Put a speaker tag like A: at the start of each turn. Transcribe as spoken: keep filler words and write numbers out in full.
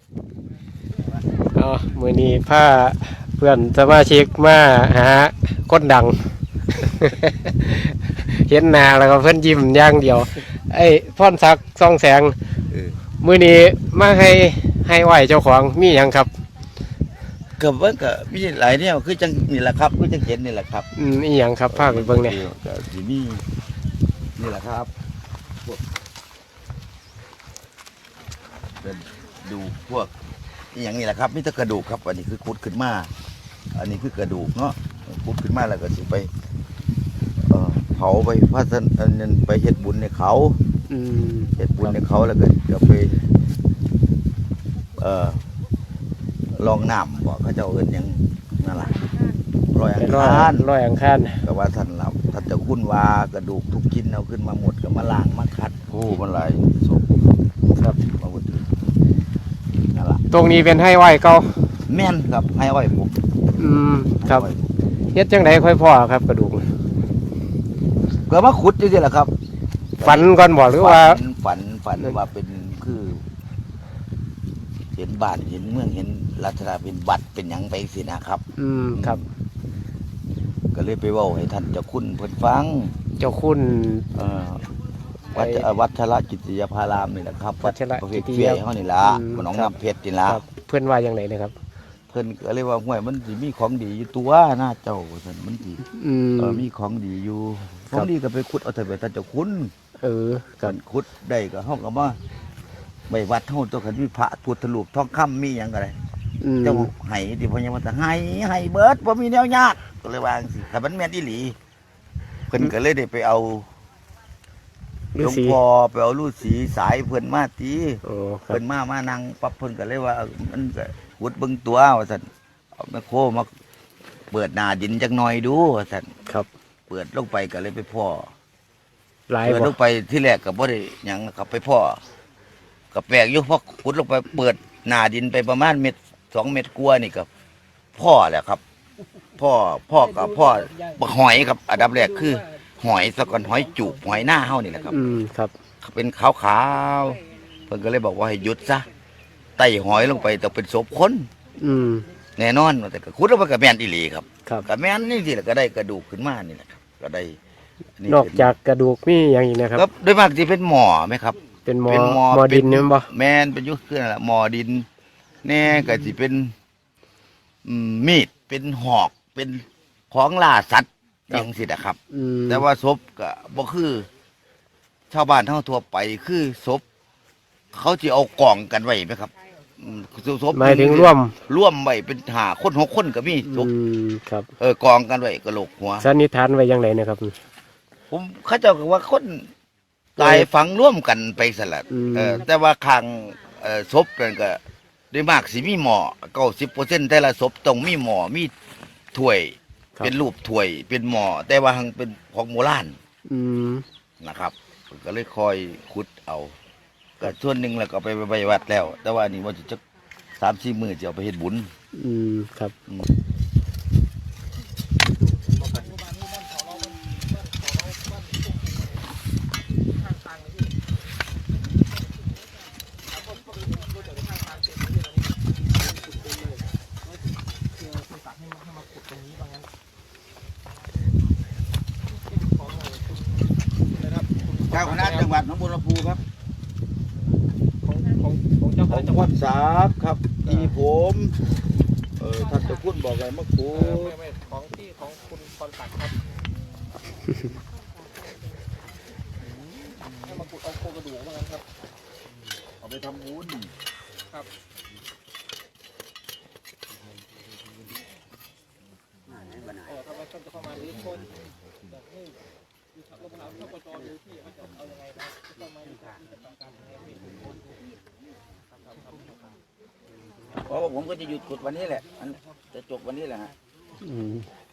A: อ๋อมือนี้พาเพื่อนสมาชิกมาหาคนดัง เห็นหน้าแล้วก็เพื่อนยิ้มอย่างเดียวไอ้พรศักดิ์ส่องแสงมือนี้มาให้ให้ไหวเจ้าของมีอย่างครับ
B: กับว่าก็มีหลายเนี่ยคือจังนี่แหละครับคือจังเห็นนี่แหละครับ
A: อืมอีหยังครับพาไปเบิ่งเนี่ย
B: ก็สิมีนี่แหละครับพวกเป็นดูพวกอย่างนี้แหละครับมีแต่กระดูกครับอันนี้คือขุดขึ้นมาอันนี้คือกระดูกเนาะขุดขึ้นมาแล้วก็สิไปเอ่อเผาไปพระสันอันนั้นไปเฮ็ดบุญในเขา
A: อืม
B: เฮ็ดบุญในเขาแล้วก็จะไปเอ่อลองน้ำบอกเขาเจ้าเอิ้นหยังนั่นล่ะรอยอังคาร
A: รอยอังคาร
B: ก็ว่าท่านเราท่านจะคุ้นว่ากระดูกทุกชิ้นเอาขึ้นมาหมดก็มาล้างมาคัดโอ้มันหลายศพครับมาหมดนั่นล่ะ
A: ตรงนี้เป็นให้ไหวเก่า
B: แม่นครับให้อ้อยผม
A: อืมครับเฮ็ดจังไดค่อยพ่อครับกระดูก
B: ก็มาขุดจังซี่แหละครับ
A: ฝันก่อนบ่หรือว่า
B: ฝันฝันว่าเป็นคือเห็นบ้านเห็นเมืองเห็นลักษณะเป็นวัดเป็นหยังไปสินะครับ
A: อืมครับ
B: ก็เลยไปเว้าให้ท่านเจ้าคุณเพิ่นฟัง
A: เจ้าคุณ
B: เอ่อวัดวัดชระกิติยภารามนี่แหละครับ
A: วัดชระ
B: กิติยภารามเฮานี่ล่ะบ่หนองน้ำเพชรนี่ล่ะ
A: เพิ่นว่าจังไดนะครับ
B: เพิ่นก็เลยว่าห้วยมันสิมีของดีอยู่ตัวหน้าเจ้าซั่นมันสิ
A: อืม
B: เออมีของดีอยู่ของดีก็ไปขุดเอาเถิดไปท่านเจ้าคุณ
A: เออ
B: กันขุดได้ก็เฮาก็มาไว้วัดเฮาตัวคันมีพระพุทธรูปทองคำมีหยังก็ได้เจ้าให้ที่พ่อยังว่าให้ให้เบิดบ่มีแนวยากก็เลยว่าจังซี่ถ้ามันแม่นอีหลีเพิ่นก็เลยได้ไปเอาหลวงพ่อไปเอาฤาษีสายเพิ่นมาติเพิ่นมามานั่งปั๊บเพิ่นก็เลยว่ามันก็ขุดเบิ่งตัวว่าซั่นเอาแม่โคมาเปิดหน้าดินจักหน่อยดูว่าซั่น
A: ครับ
B: เปิดลงไปก็เลยไปพ่อ
A: หลายบ่
B: เปิดลงไปที่แรกก็บ่ได้หยังก็ไปพ่อก็แปลกอยู่พอขุดลงไปเปิดหน้าดินไปประมาณเม็ดสองเม็ดกว่านี่ก็พ่อแหละครับพ่อพ่อกับพ่อบักหอยครับอันดับแรกคือหอยสะก่อนหอยจูบหอยหน้าเฮานี่แหละครับ
A: อืมครับ
B: เป็นขาวๆเพิ่นก็เลยบอกว่าให้หยุดซะไต่หอยลงไปต้องเป็นศพคน
A: อืม
B: แน่นอนแต่ก็ขุดลงไปก็แม่นอีหลีครับ
A: ครับ
B: ก็แม่นนี่สิแหละก็ได้กระดูกขึ้นมานี่แหละครับก็ได้
A: นอกจากกระดูกมีอย่างอีกนะครับ
B: โดยมากสิเป็นหมอไหมครับ
A: เป็นหมอหมอดินนี่บ่
B: แม่นเป็นยุคคือนั่นแหละหมอดินแน่ก็สิเป็นมีดเป็นหอกเป็นของล่าสัตว์อย่างสินะครับแต่ว่าศพก็บ่คือชาวบ้านเท่าทั่วไปคือศพเขาจะเอากองกันไว้ไหมครับ
A: ศพหมายถึงร่วม
B: ร่วมไว้เป็นหาคนหกคนก็มีศพ
A: ครับ
B: เออกองกันไว้กระโหลกหัว
A: สันนิษฐานไว้ยังไงนะครับ
B: ผมเขาเจ้าก็ว่าคนตายฝังร่วมกันไปสลัดเออแต่ว่าคางศพนั่นก็ด้วยมากสิมีหมอเก้าสิบเปอร์เซ็นต์แต่ละศพต้องมีหมอมีถ้วยเป็นรูปถ้วยเป็นหมอแต่ว่าหังเป็นของโบราณนะครับก็เลยคอยขุดเอาก็ส่วนหนึ่งแล้วก็ไปไปวัดแล้วแต่ว่านี่ว่าจะสามสี่มือจะเอาไปเฮ็ดบุญ
A: อืมครับ
B: เจ้าคณะจังหวัดหนองบัวลำพูครับ
A: ของของของเจ้าคณะจังหวัด
B: สาบครับอีผมเออท่านเจ้าคุณบอกอะไรเมื่อคู
A: ไม่ไม่ของที่ของคุณพรศักดิ์ครับให้มาขุดเอาโครงกระดูกมาครับ
B: เอาไปทำบุญ
A: ครับเออทำไมท่านจะเข้ามาหรือคนแบบนี้ลงน้ำเข้าประจอดูที่เขาจะเอายังไงนะต้องมาอยู่การการ
B: เพราะผมก็จะหยุดขุดวันนี้แหละจะจบวันนี้แหละฮะ